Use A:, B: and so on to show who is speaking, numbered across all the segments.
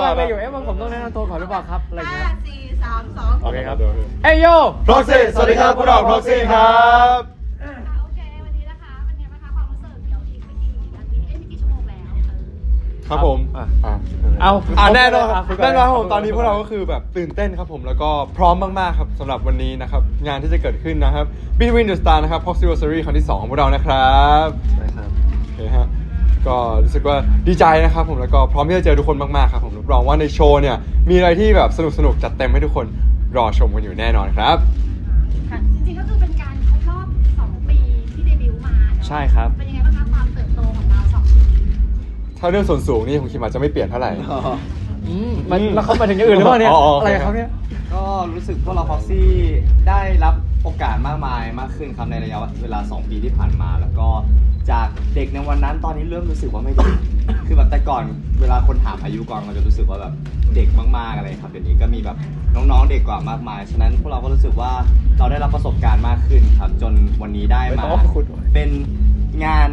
A: อะไรอยู่ว่าผมต้องแนะนำตัวก่อนหรือเปล่าครับอะไรเงี้ย
B: 5 4 3 2
A: โอเคครับเอ้ยโย
C: Proxy สวัสดีครับพวกเรา Proxy ครับ
D: โอเควันนี้นะคะเป็นไงบ้างคะความรู้สึกเดี๋ยวอีกไม่กี่ชั่วโมงแล้ว
C: ครับผมแน่นอนครับผมตอนนี้พวกเราก็คือแบบตื่นเต้นครับผมแล้วก็พร้อมมากๆครับสำหรับวันนี้นะครับงานที่จะเกิดขึ้นนะครับ Between the Star นะครับ Proxyversary ครั้งที่2ของพวกเรานะครับใช่ครับโอเคฮะก็รู้สึกว่าดีใจนะครับผมแล้วก็พร้อมที่จะเจอทุกคนมากๆครับผมรับรองว่าในโชว์เนี่ยมีอะไรที่แบบสนุกจัดเต็มให้ทุกคนรอชมกันอยู่แน่นอนครับ
D: ค่ะจริงๆก็คือเป็นการครบรอบ2 ปีที่เดบิวต์มา
A: ใช่ครับ
D: เป็นยังไงบ้างคะความเติบโตของเรา2 ปี
C: ถ้าเรื่องส่วนสูงนี่ผมคิดว่าจะไม่เปลี่ยนเท่าไหร่
A: มันแล้วเขามาถึงอย่างอื่นหรือเปล่าเนี่ยอะไรครับเนี่ย
E: ก็รู้สึกพวกเรา Proxy ได้รับโอกาสมากมายมากขึ้นครับในระยะเวลา2 ปีที่ผ่านมาแล้วก็จากเด็กในวันนั้นตอนนี้เริ่มรู้สึกว่าไม่เด็ก คือแบบแต่ก่อนเวลาคนถามอายุก่อนเราจะรู้สึกว่าแบบเด็กมากๆอะไรครับเดี๋ยวนี้ก็มีแบบน้องๆเด็กกว่ามากมายฉะนั้นพวกเราก็รู้สึกว่าเราได้รับประสบการณ์มากขึ้นครับจนวันนี้ได้มาเป็นงาน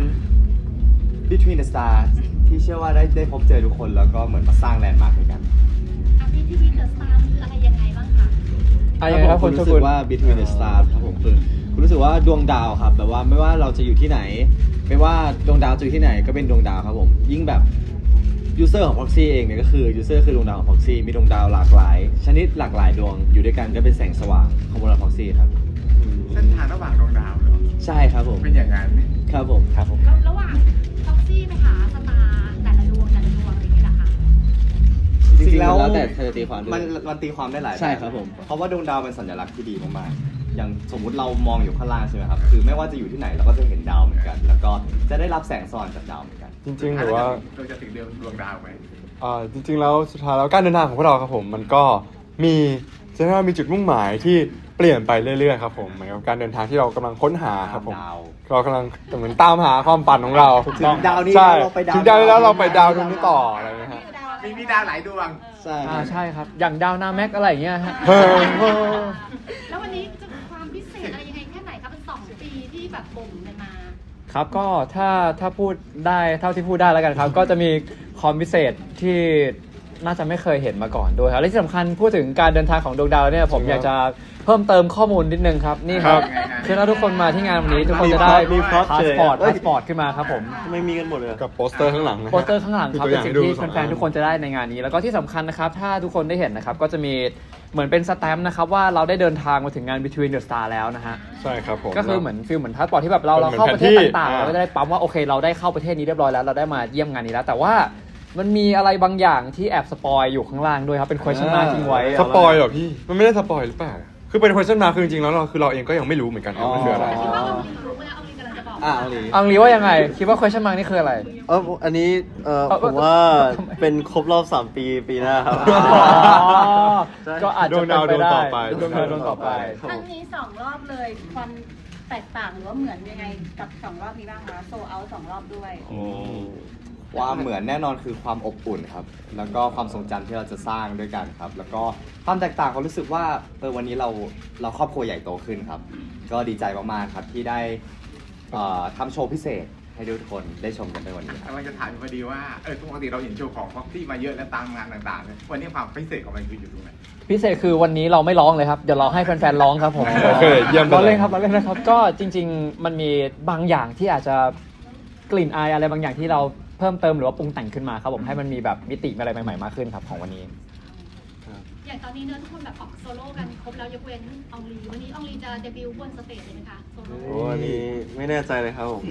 E: Between the Stars ที่เชื่อว่าได้พบเจอทุกคนแล้วก็เหมือนมาสร้างแลนด์มาร์คด้วยกัน
D: อันนี้ที่เดอะสตาร์คืออะไรยังไงบ้างคะ
A: อะไรครับ
F: ผมรู้สึกว่า Between the Stars ครับผมคือผมรู้สึกว่าดวงดาวครับแบบว่าไม่ว่าเราจะอยู่ที่ไหนไม่ว่าดวงดาวจะอยู่ที่ไหนก็เป็นดวงดาวครับผมยิ่งแบบยูเซอร์ของ Proxy เองเนี่ยก็คือยูเซอร์คือดวงดาวของ Proxy มีดวงดาวหลากหลายชนิดหลากหลายดวงอยู่ด้วยกันก็เป็นแสงสว่างของบน Proxy ครับ
B: เส้นทางระหว่างดวงดาวเหรอ
F: ใช่ครับผม
B: เป็นอย่างนั้น
F: ครับผม
D: แล้วระหว่างท็อกซี่ไปหาสตาร์แต่ละดวงอะไรอย่างเงี้ยเหรอคะ
F: จริงๆแล้วแต่เธอตีความด้วย
E: มันตีความได้หลาย
F: ใช่ครับผม
E: เพราะว่าดวงดาวเป็นสัญลักษณ์ที่ดีมากๆอย่างสมมุติเรามองอยู่ข้างล่างใช่ไหมครับคือไม่ว่าจะอยู่ที่ไหนเราก็จะเห็นดาวเหมือนกัน แล้วก็จะได้รับแสงสว่างจากดาวเหมือนกัน
C: จริงๆหรือว่า
B: เราจะถึงเดือนดวงดาวไหม
C: จริงๆแล้วสุดท้ายแล้วการเดินทางของพวกเราครับผมมันก็มีจะเรียกว่ามีจุดมุ่งหมายที่เปลี่ยนไปเรื่อยๆครับผมเหมือนกับการเดินทางที่เรากำลังค้นหาครับผม
E: ดาว
C: เรากำลังเหมือนตามหาความฝันของเรา
E: ถึงดาวนี้
C: ใช่
E: เราไปดาว
C: ถึงดาวนี้แล้วเราไปดาวดวงนี้ต่ออะไรนะฮะ
B: มีดาวหลายดวง
F: ใช่
A: ใช่ครับอย่างดาวนาแม็กอะไรอย่างเงี้ยฮะ
C: เฮ้ย
D: แล้ววันนี้จะมีความพิเศษอะไรยังไงแค่ไหนคะเป็น2 ปีที่แบบบ่มกันมา
A: ครับก็ถ้าพูดได้เท่าที่พูดได้แล้วกันครับ ก็จะมีความพิเศษที่น่าจะไม่เคยเห็นมาก่อนด้วยครับและที่สำคัญพูดถึงการเดินทางของดวงดาวเนี่ยผมอยากจะเพิ่มเติมข้อมูลนิดนึงครับนี่ครับ
B: ครับ
A: คือถ้าทุกคนมาที่งานวันนี้ทุกคนจะได้
F: มีพร็อพ
A: พา
F: เฉ
A: ส
F: ย
A: ปอร์ตขึ้นมาครับผม
F: ไม่มีกันหมดเลย
C: กับโปสเตอร์ข้างหลังนะฮะ
A: โปสเตอร์ข้างหลังครับ
C: มี
A: เป็น
C: ตัว
A: สิ่ง
C: อย่างให้ดู
A: ที่แฟนๆทุกคนจะได้ในงานนี้ แล้วก็ที่สำคัญนะครับถ้าทุกคนได้เห็นนะครับก็จะมีเหมือนเป็นสแตมป์นะครับว่าเราได้เดินทางมาถึงงาน Between the Star แล้วนะฮะ
C: ใช่ครับผม
A: ก็คือเหมือนฟิลเหมือนพาสปอร์ตที่แบบเรา
C: เหมือน
A: เข้าประเทศ
C: แผนที่
A: ต่างๆเราก็จะได้ปั๊มว่าโอเคเราได้เข้าประเทศนี้เรียบร้อยแล้วเราได้มาเยี่ยมงานนี้แล้ว แต่ว่ามันมีอะไรบางอย่างที่แอบสปอยอยู่ข้างล่างด้วยครับเป็น question mark ทิ้งไว้
C: สปอยเหรอพี่มันไม่ได้สปอยหรือเปล่าคือเป็น question mark คือจริงๆแล้วเราเองก็ยังไม่รู้เหมือนกันว่ามันคืออะไร
D: คิดว่าเอาลิงรู้ไหมเอาลิงกำลังจะบอก
F: เอาลี
A: อังลีว่ายังไงคิดว่า question mark นี่คืออะไร
F: อันนี้ผมว่าเป็นครบรอบ3 ปีหน้าครับ
A: ก็อาจจะเป็นไปได้
C: ดวงดาวดวงต่อไป
A: ดวงดาวดวงต่อไป
G: ครั้งนี้2 รอบเลยความแตกต่างหรือว่าเหมือนยังไงกับ2 รอบนี้บ้างคะโซเอา2 รอบด้วย
E: ความเหมือนแน่นอนคือความอบอุ่นครับแล้วก็ความทรงจำที่เราจะสร้างด้วยกันครับแล้วก็ความแตกต่างเขารู้สึกว่าวันนี้เราครอบครัวใหญ่โตขึ้นครับก็ดีใจมากๆครับที่ได้ทำโชว์พิเศษให้ทุกคนได้ชมกันในวันนี้ครับ
B: กำลังจะถามอยู่พอดีว่าปกติเราเห็นโชว์ของพ็อกซี่มาเยอะและตามงานต่างๆเนี่ยวันนี้ความพิเศษของมันคืออยู่ตรงไหน
A: พิเศษคือวันนี้เราไม่ร้องเลยครับเดี๋ยวเราให้แฟนๆร้องครับผม
C: โอเคเยี่ยมไปเลย
A: เราเล่นครับเราเล่นนะครับก็จริง ๆ มันมีบางอย่างที่อาจจะกลิ่นอายอะไรบางอย่างที่เราเพิ่มเติมหรือว่าปรุงแต่งขึ้นมาครับผมให้มันมีแบบมิติอะไรใหม่ๆมากขึ้นครับของวันนี้
D: อย่างตอนนี้เนื้อทุกคนแบบออกโซโล่กันครบแล้วยกเว้นอองลีวันนี้อองลีจะเดบิวต์บนสเตจเลยไหมคะโซโล่
F: โอ้อันนี้ไม่แน่ใจเลยครับผม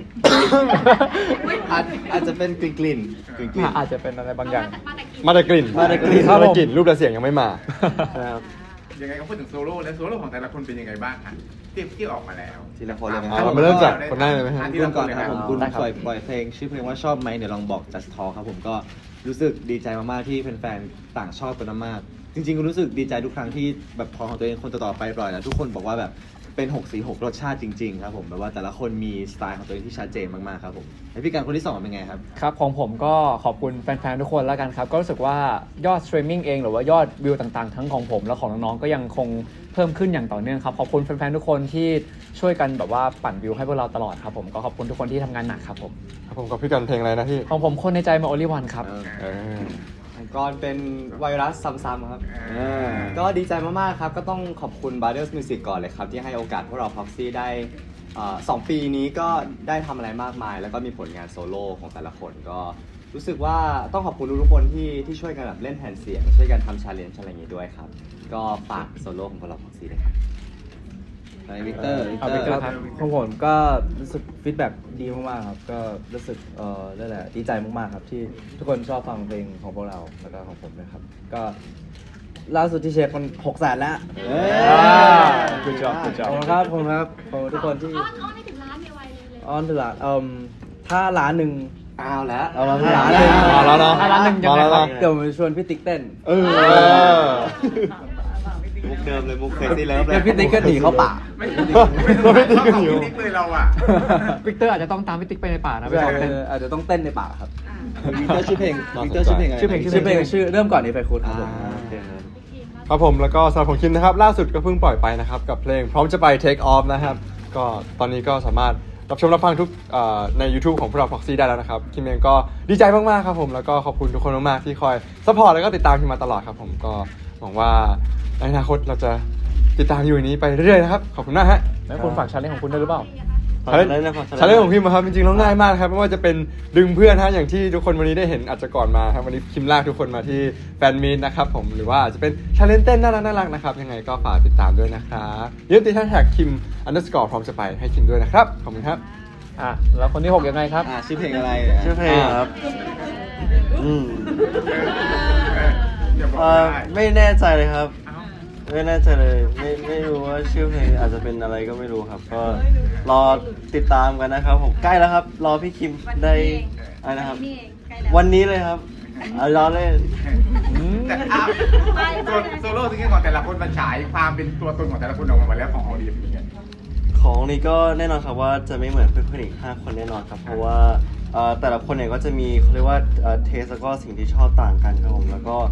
E: อาจจะเป็นกลิ่น
A: อาจจะเป็นอะไรบางอย่าง
C: มาแต่กลิ่น
F: มาแต่กลิ่น
C: มาแต่กลิ่นรูปและเสียงยังไม่มา
F: ครับ
B: ยังไงก็พูดถึงโซโล่แล้วโซโล่ของแต่ละคนเป็นยังไงบ้างคะที่ออกมาแล้ว
E: ทีละคนเลยไหม
C: อ่ะเรามาเริ่มจากคนแรกเลยไหมฮะ
B: ที่
F: เริ่
B: เรา
F: ม
B: ก่
F: ก่
B: อ
F: อน น
B: เลย
F: ค
B: ค
F: รั
B: รั
F: บบ ผมคุณ
A: ได้ครับ
F: ปล่อยเพลงชื่อเพลงว่าชอบไหมเดี๋ยวลองบอก Just Talk ครับผมก็รู้สึกดีใจมากๆที่แฟนๆต่างชอบกันมากๆจริงๆก็รู้สึกดีใจทุกครั้งที่แบบพอของตัวเองคนต่อๆไปปล่อยแล้วทุกคนบอกว่าแบบเป็น6 สี 6 รสชาติจริงๆครับผมแบบว่าแต่ละคนมีสไตล์ของตัวเองที่ชัดเจนมากๆครับผมแล้วพี่การคนที่2เป็นไงครับ
A: ครับของผมก็ขอบคุณแฟนๆทุกคนแล้วกันครับก็รู้สึกว่ายอดสตรีมมิ่งเองหรือว่ายอดวิวต่างๆทั้งของผมและของน้องๆก็ยังคงเพิ่มขึ้นอย่างต่อเนื่องครับขอบคุณแฟนๆทุกคนที่ช่วยกันแบบว่าปั่นวิวให้พวกเราตลอดครับผมก็ขอบคุณทุกคนที่ทำงานหนักครับผม
C: ครับผมกับพี่กันเพลงอะไรนะพี่
A: ของผมคนในใจมาโอลิวันครับ
C: เออ
E: ของกรเป็นไวรัสซ้ำๆครับ
B: เออ
E: ก็ดีใจมากๆครับ ก็ต้องขอบคุณ Brothers Music ก่อนเลยครับ ที่ให้โอกาสพวกเรา Proxy ได้2 ปีนี้ก็ได้ทำอะไรมากมาย แล้วก็มีผลงานโซโล่ของแต่ละคนก็รู้สึกว่าต้องขอบคุณทุกๆคนที่ช่วยกันแบบเล่นแผ่นเสียง ช่วยกันทำชาเลนจ์อะไรอย่างงี้ด้วยครับ ก็ฝากโซโล่ของพวกเรา Proxy ด้วยครับ
F: ไปวิกเตอร์
A: เอา Victor ครับ
H: ของผมก็รู้สึกฟีดแบ็กดีมากๆครับ ก็รู้สึกนั่นแหละดีใจมากๆครับที่ทุกคนชอบฟังเพลงของพวกเราแล้วก็ของผมนะครับ ก็ล่าสุดที่เช็คมัน600,000แล้ว
A: good job good
H: ขอบ
A: job
H: คุณครับขอบคุณครับขอบคุณทุกคนที่
D: อ้อนให้ถึงล้านไวๆเลย
H: ออนถึงล้านถ้าล้านหนึ่ง
E: เอาแล้ว
H: เอามาถ้าล้านหนึ่ง
C: มาแล้วเนาะ
A: ถ้าล้านหนึ่งยังไงครับ
H: เดี๋ยวผมชวนพี่ติ๊กเต้น
C: เออ
E: มุกเดิมเลยมุกเคยซีเลิฟเล
H: เดี๋
E: ย
H: ยวพี่ติ๊กก็หนีเข้าป่า
B: ไม่ต้องของพี่ติ๊กเลยเราอ่ะ
A: วิกเตอร์อาจจะต้องตามพี่ติ๊กไปในป่านะไปซ้อมเต้น
H: อาจจะต้องเต้นในป่าครับ
F: วิกเตอร์ชื่อเพลงวิกเตอร์ชื่อเพลงอะไร
A: ชื่อเพลง
H: ชื่อเพลงชื่อเริ่มก่อนนี้ไปคุณครับผม
C: ครับผมแล้วก็สำหรับของคิมนะครับล่าสุดก็เพิ่งปล่อยไปนะครับกับเพลงพร้อมจะไป Take Off นะครับก็ตอนนี้ก็สามารถรับชมรับฟังทุกใน YouTube ของพวกเรา Proxy ได้แล้วนะครับคิมเองก็ดีใจมากๆครับผมแล้วก็ขอบคุณทุกคนมากๆที่คอยซัพพอร์ตแล้วก็ติดตามคิมมาตลอดครับผมก็หวังว่าในอนาคตเราจะติดตามอยู่อย่างนี้ไปเรื่อยๆนะครับขอบคุณมากฮะ
A: แล้วคุณฝากชาเลนจ์ของคุณด้วยหรือเปล่า
C: ชาเลนจ์ของพิมพ์ครับจริงๆแล้วง่ายมากครับไม่ว่าจะเป็นดึงเพื่อนฮะอย่างที่ทุกคนวันนี้ได้เห็นอาจจะก่อนมาครับวันนี้คิมลากทุกคนมาที่แฟนมีตนะครับผมหรือว่าอาจจะเป็นชาเลนจ์เต้นน่ารักๆนะครับยังไงก็ฝากติดตามด้วยนะครับอย่าลืมติดแท็กคิม_พร้อมจะไปให้คิมด้วยนะครับขอบคุณครับ
A: แล้วคนที่ 6 ยังไงครับ
F: ชื่อเพลงอะไร
H: ชื่อเพลงครับ
B: อย่าบอกได้
H: ไม่แน่ใจเลยครับ
B: เอ้า
H: ไม่แน่ใจเลยไม่รู้ว่าชื่อเพลงอาจจะเป็นอะไรก็ไม่รู้ครับ ก็รอติดตามกันนะครับผมใกล้แล้วครับ รอพี่คิมได้อะไรนะครับ
G: นี่เองใกล้แล้ว
H: วันนี้เลยครับรอเล่น
B: แต่โซโล่ซิงเกิลของแต่ละคนมันฉายความเป็นตัวตนของแต่ละคนออกมาหมดแล้วของออดีเป็นยังไง
H: ของนี้ก็แน่นอนครับว่าจะไม่เหมือนเพื่อนๆอีก5 คนแน่นอนครับ เพราะว่าแต่ละคนเนี่ยก็จะมีเขาเรียกว่าเทสแล้วก็สิ่งที่ชอบต่างกันครับผมแล้วก็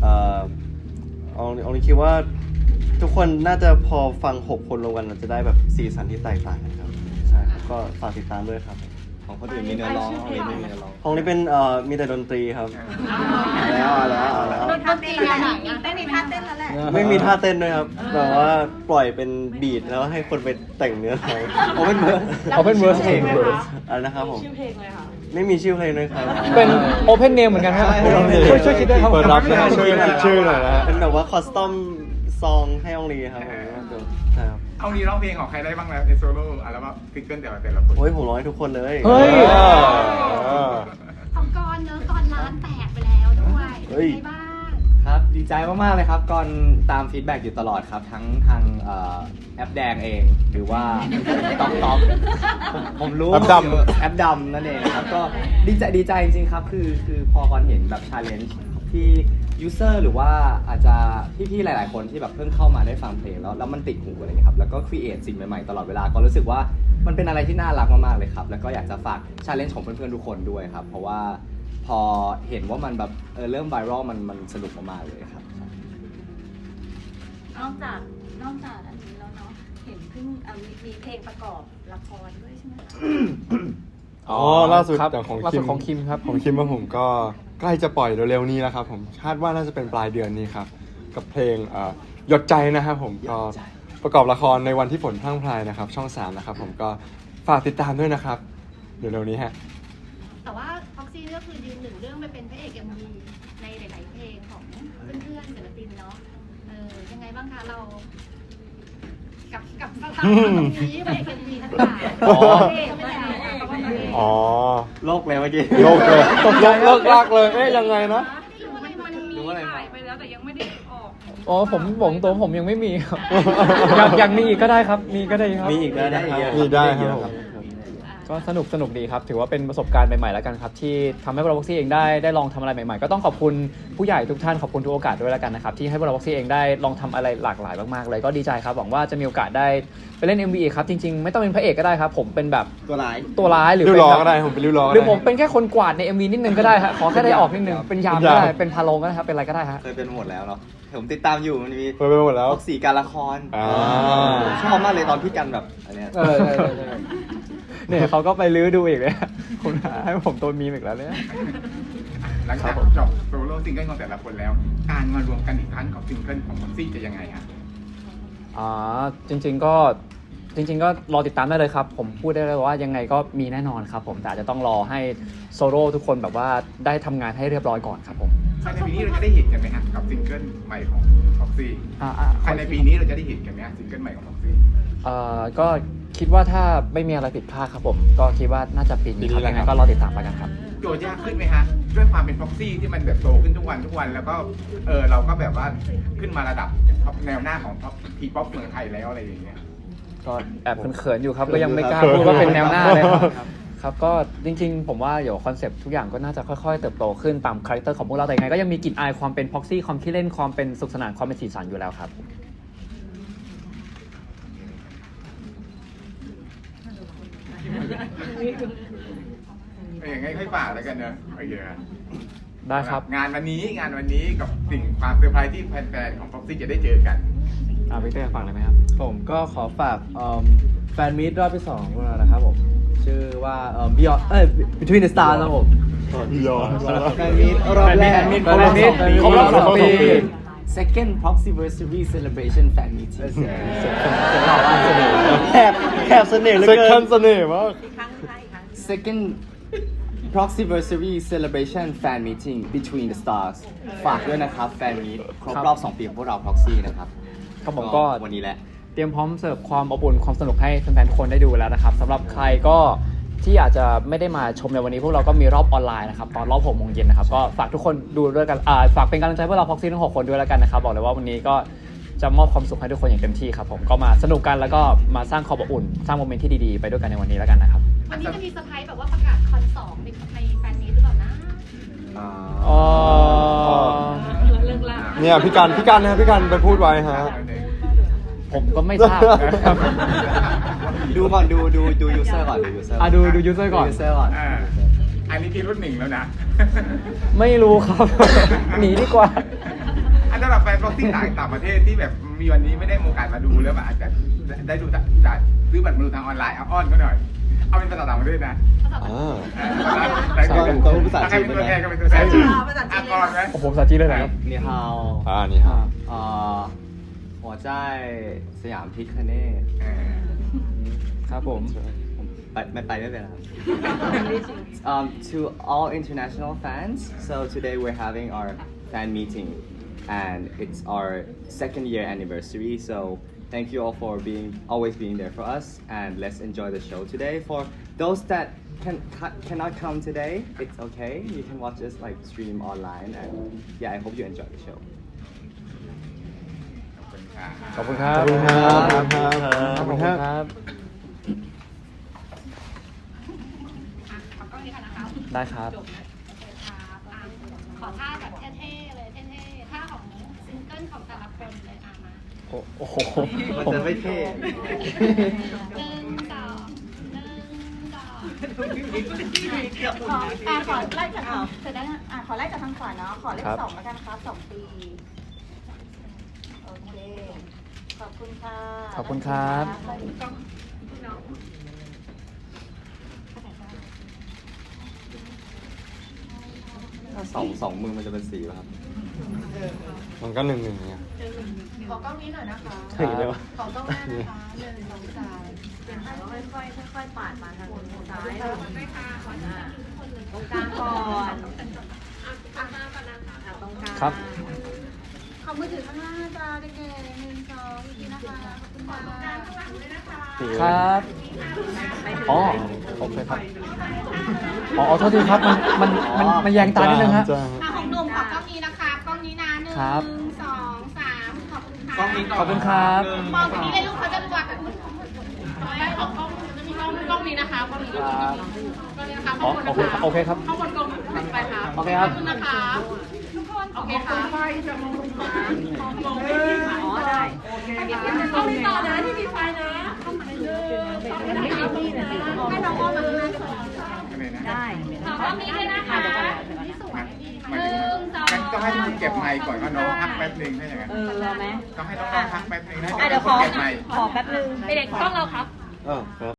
H: เอานี้คิดว่าทุกคนน่าจะพอฟัง6 คนรวมกันเราจะได้แบบสีสันที่แตกต่างกันครับใช่ครับก็ฝากติดตามด้วยครับ
F: ของคนอื่นมีเนื้อร้องของนี้ไม่มีเนื้อร้อง
H: ของนี้เป็นมีแต่ดนตรีครับ
F: เอาแล้ว
G: โดนท่าเต้นแล้วเต้นมีท่าเต้นแล้วแหละ
H: ไม่มีท่าเต้นด้วยครับแต่ว่าปล่อยเป็นบีทแล้วให้คนไปแต่งเนื้อร้องเอาเป็นเวิร์ส
A: Open Verse เอง
H: อะไรนะครับผมชื่อเพลงเลยค่ะไม่มีชื่อเพลงด้วยครับ
A: เป็น Open Name เหมือนกันครับช่วยคิดด้วยครับ
C: เปิดรับนะฮะช่วยคิดชื่อหน่อยนะฮะ
H: เป็นแบบว่าคอสตอมซองให้องลีครับผมใช่ครับ
B: เอางี้ร้องเพลงของใครได้บ้างแล้วในโซโล่อัลบั้มซิงเกิลแต่ละคน
H: โอ้ยผมร้องให้ทุกคนเลย
A: เฮ้ย
D: ของกรเนอะกรล้านแตกไปแล้วด้วย
H: เฮ้ย
D: เป็นไงบ้าง
E: ครับดีใจมากๆเลยครับก่อนตามฟีดแบ็กอยู่ตลอดครับทั้งทางแอปแดงเองหรือว่าต๊อกผมรู้
C: แอปดำ
E: แอปดำนั่นเองครับก็ดีใจจริงๆครับคือพอก่อนเห็นแบบชาเลนจ์ที่ยูเซอร์หรือว่าอาจจะพี่ๆหลายๆคนที่แบบเพิ่งเข้ามาได้ฟังเพลงแล้วมันติดหูอะไรอย่างเงี้ยครับแล้วก็ครีเอทสิ่งใหม่ๆตลอดเวลาก็รู้สึกว่ามันเป็นอะไรที่น่ารักมากๆเลยครับแล้วก็อยากจะฝากชาเลนจ์ของเพื่อนๆทุกคนด้วยครับเพราะว่าพอเห็นว่ามันแบบเริ่มไวรัลมันสนุกมากๆเลยครับ
G: นอกจากอันนี้แล้วเนาะเห็นเพิ่งมีเพลงประกอบละครด้วยใช่ไหมคะ
C: อ๋อล่าสุด
A: ครับ
C: อย่างของ
A: ล่า
C: คิ
A: สุ
C: ม
A: ดของคิมครับ
C: ของคิมว่าผมก็ใกล้จะปล่อยเร็วๆนี้แล้วครับผมคาดว่าน่าจะเป็นปลายเดือนนี้ครับกับเพลงหยดใจนะครับผมก็ประกอบละครในวันที่ฝนพรั่งพรายนะครับช่อง 3นะครับผมก็ฝากติดตามด้วยนะครับเดี๋ยวเร็วนี้ฮะ
D: แต่ว่าพ็อกซี่ก็คือยืนหนึ่งเรื่องไปเป็นพระเอก MV ในหลายๆเพลงของเพื่อนๆศิลปินเนาะยังไงบ้างคะเรา กับสถานะตรงนี้พระเอก MV ทั้งหลาย
C: อ๋อ
D: ไม่ได้เพราะว่าพระเอก
C: อ๋อ
H: โลกเลยเมื่อกี้
C: โลกเลยตกใจเลิกลากเลยเอ๊ะยังไงนะ
D: รู้อะไรมันมีถ่ายไปแล้วแต่ยังไม่ได้ออก
A: อ๋อผมตัวผมยังไม่มีครับ อยากมีอีกก็ได้ครับ มีก็ได้ครับ
H: มีอีกได้นะครับ
C: มีได้ครับผม
A: ก็สนุกดีครับ ถือว่าเป็นประสบการณ์ใหม่ๆแล้วกันครับที่ทำให้พวกเราบ็อกซี่เองได้ลองทำอะไรใหม่ๆก็ต้องขอบคุณผู้ใหญ่ทุกท่านขอบคุณทุกโอกาสด้วยแล้วกันนะครับที่ให้พวกเราบ็อกซี่เองได้ลองทำอะไรหลากหลายมากๆเลยก็ดีใจครับหวังว่าจะมีโอกาสได้ไปเล่น MV ครับจริงๆไม่ต้องเป็นพระเอกก็ได้ครับผมเป็นแบบ
F: ตัวร้าย
A: ตัวร้ายหรือ
C: ริ้ว
A: เป็น
C: ล้อ
A: แบบ
C: ก็ได้ผมเป็นริ้วล้อก็
A: หรือ
C: ได้
A: ผมเป็นแค่คนกวาดใน MV นิดนึงก็ได้ฮะขอแค่ได้ออกนิดนึงเป็นยามก็ได้เป็นพาโลงก็ได้ครับเป็นอะไรก็ได้ฮะ
E: เคยเป็นหมดแล้วเนาะผมติดตามอยู่มันมี
C: เปิดไปหมดแล้ว
E: พวกสีการละคร
C: อ่า
E: ชอบมากเลยตอนพี่กันแบบอันเนี้ย
A: ใช่เนี่ยเขาก็ไปลื้อดูอีกเลยคุณหาให้ผมตัวมีมอีกแล้วเนี่ย
B: หลังจากจบโซโล่ซิงเกิลของแต่ละคนแล้ว การมารวมกันอีกครั้งของซิงเกิลของพ็อกซี่จะยังไงฮะ
A: จริงๆก็รอติดตามได้เลยครับ ผมพูดได้เลยว่ายังไงก็มีแน่นอนครับผมแต่อาจจะต้องรอให้โซโล่ทุกคนแบบว่าได้ทำงานให้เรียบร้อยก่อนครับผม
B: ภายในปีนี้เราจะได้เห็นกันไหมฮะกับซิงเกิลใหม่ของพ็อกซี่ภายในปีนี้เราจะได้เห็นกันไหมฮะซิงเกิลใหม่ของพ็อกซี่
A: ก็คิดว่าถ้าไม่มีอะไรผิดพลาดครับผมก็คิดว่าน่าจะปีนี้ครับยังไงก็รอติดตามไปกันครับ
B: โจทย์ยากขึ้นไหมฮะด้วยความเป็นพ็อกซี่ที่มันแบบโตขึ้นทุกวันแล้วก็เราก็แบบว่าขึ้นมาระดับแนวหน้าของทีป๊อปเมืองไทยแล้วอะไรอย่างเงี้ย
A: ก็แอบเขินๆอยู่ครับก็ยังไม่กล้าพูดว่าเป็นแนวหน้าเลยครับก็จริงๆผมว่าเดี๋ยวคอนเซปต์ทุกอย่างก็น่าจะค่อยๆเติบโตขึ้นตามคาแรคเตอร์ของพวกเราแต่ยังไงก็ยังมีกลิ่นอายความเป็นพ็อกซี่ความขี้เล่นความเป็นสุขสนานความเป็นสีสันอยู่แล้วครับ
B: อย่างไงค่อยฝากแล้วกันเนอะโอเคครับ
A: ได้ครับ
B: งานวันนี้กับสิ่งความเซอร์ไพรส์ที่แฟนๆของพ็อกซี่จะได้เจอกัน
A: พี่เต้ฟังเลยไหมครับ
H: ผมก็ขอฝากแฟนมีตรอบที่2ของพวกเรานะครับผมชื่อว่าBeyond Between the Stars ครับผม
F: แฟนมีตรอบแรก
A: แฟนมีตครบรอบ2 ปี
E: Second Proxyversary Celebration Fan Meeting
F: แถบเสน่ห์เหลือ
C: เซ็ก
F: เกิ
C: ชั
F: น
C: นเสน่ห์มาก
E: Second Proxyversary Celebration Fan Meeting Between the Stars ฝากด้วยนะครับแฟนมีตครบรอบ 2 ปีของพวกเรา Proxy นะครับ
A: ครับผมก็
E: วันนี้แหละ
A: เตรียมพร้อมเสิร์ฟความอบอุ่นความสนุกให้แฟนๆทุกคนได้ดูแล้วนะครับสำหรับใครก็ที่อาจจะไม่ได้มาชมในวันนี้พวกเราก็มีรอบออนไลน์นะครับตอนรอบ6 โมงเย็นนะครับก็ฝากทุกคนดูด้วยกันฝากเป็นกำลังใจพวกเราพ็อกซี่ทั้ง6 คนด้วยแล้วกันนะครับบอกเลยว่าวันนี้ก็จะมอบความสุขให้ทุกคนอย่างเต็มที่ครับผมก็มาสนุกกันแล้วก็มาสร้างความอบอุ่นสร้างโมเมนต์ที่ดีๆไปด้วยกันในวันนี้แล้วกันนะครับ
D: วันนี้จะมีเซอร์ไพรส์แบบว่าประกาศคอน2ในแฟนมีตหรือเปล่านะ
C: เนี่ยพี่กันนะครับพี่กันไปพูดไว้ฮะ
A: ผมก็ไม่ทราบนะครับ
E: ดูก่อนดู user ก่อนดู user
A: ดู user ก่อน
E: user ก่อน
B: อันนี้พี่รุ่น1แล้วนะ
A: ไม่รู้ครับ หนีดีกว่า
B: อันสำหรับแฟนพ็อกซี่ต่างประเทศที่แบบมีวันนี้ไม่ได้มีโอกาสมาดูแล้วแบบอาจจะได้ดูจากซื้อบัตรมาดูทางออนไลน์เอาอ้อนก็หน่อยเอาเป็นภาษาต่างประเทศนะ
F: ต้องพูดภาษาจีน
B: เป็น
F: ด้
B: ตัว
F: วย
B: แท
F: นะ
B: นก็เป็นตัวแทน
G: ภาษาจีนเลย
B: ก่อนไหม
A: โอ้โหภาษาจีนเลยเหรอครับ
E: 你好
C: นี่ฮะ
E: 我在สยามพิคเนต
A: ครับผม
E: ไม่ไปไม่เป็นไรครับ To all international fans so today we're having our fan meeting and it's our 2nd year anniversary so thank you all for always being there for us and let's enjoy the show today for those that cannot come today it's okay you can watch us like stream online and yeah I hope you enjoy the show
A: ขอบคุณครับ
C: ขอบคุณครับ
A: ขอบคุณครับ
D: ขอกล้องนี้ค่ะนะคะ
A: ได้ครับ
D: จบนะขอท่าแบบเท่ๆเลยเท่ๆท่าของซิงเกิลของแต่ละคนเลยมา
A: โอ้โห
E: มันจะไม่เท่
D: 1 2 1 2
G: ขอไล่จากเสร็จแล้วขอไล่จากทางขวาเนาะขอเลข2แล้วกันครับ2 ปีโอเคขอบคุณค่ะ
A: ขอบคุณครับ
E: ถ้าสองมือมันจะเป็นสีป่ะครับ
C: มันก็1-1เนี่ย
G: ขอกล้องนี้หน่อยนะคะ
A: ถึงเลยวะ
G: ขอกล้องหน้านะคะ1 2 3เป็นค่อยๆปาดมาทางซ้ายตรงกลางก่อนตรงกลาง
A: ครับ
G: ขอมือถือข้างล่างจ้าเด็กๆ1 2อีกทีนะคะขอบคุณค่ะข้างหลังด้วยนะคะ
A: ครับอ๋อโอเคครับอ๋อโทษทีครับมันแยงตานิดนึงฮะ
D: ของหนุ่มขอกล้องนี้นะคะกล้องนี้นะ1
A: ครับ
D: 2 3ขอบคุณค่ะ
A: ขอบคุณครับ
D: มองตรงนี้เลยลูกเขาจะดูว่าได้ของกล้องจะมีกล้องนี้นะคะกล้องนี้นะคะ
A: อ๋อโอเคครับ
D: ข้างบนกล้องไปค่ะ
A: โอเคครับ
D: ขอบคุณนะคะทุกคนโอเคค่ะไฟจะมองตรงกลางอ๋อได้กล้องนี้ต่อนะที่มีไฟนะให้น้องอ้อมมาข้างหน้าได้ ขอกล้องนี้ด้วยนะคะที่สวยดีมา
B: ต้องให้ทุกคนเก็บไมค์ก่อนก็น้องพักแป๊บนึงได้ยังไง
G: รอไหม
B: ต้องให้น้องพักแป๊บนึงให้
G: เดี๋ยวขอ
B: เก็บไมค์
G: แป๊บนึง
D: ไปเด็กกล้องเราครับ
C: ครับ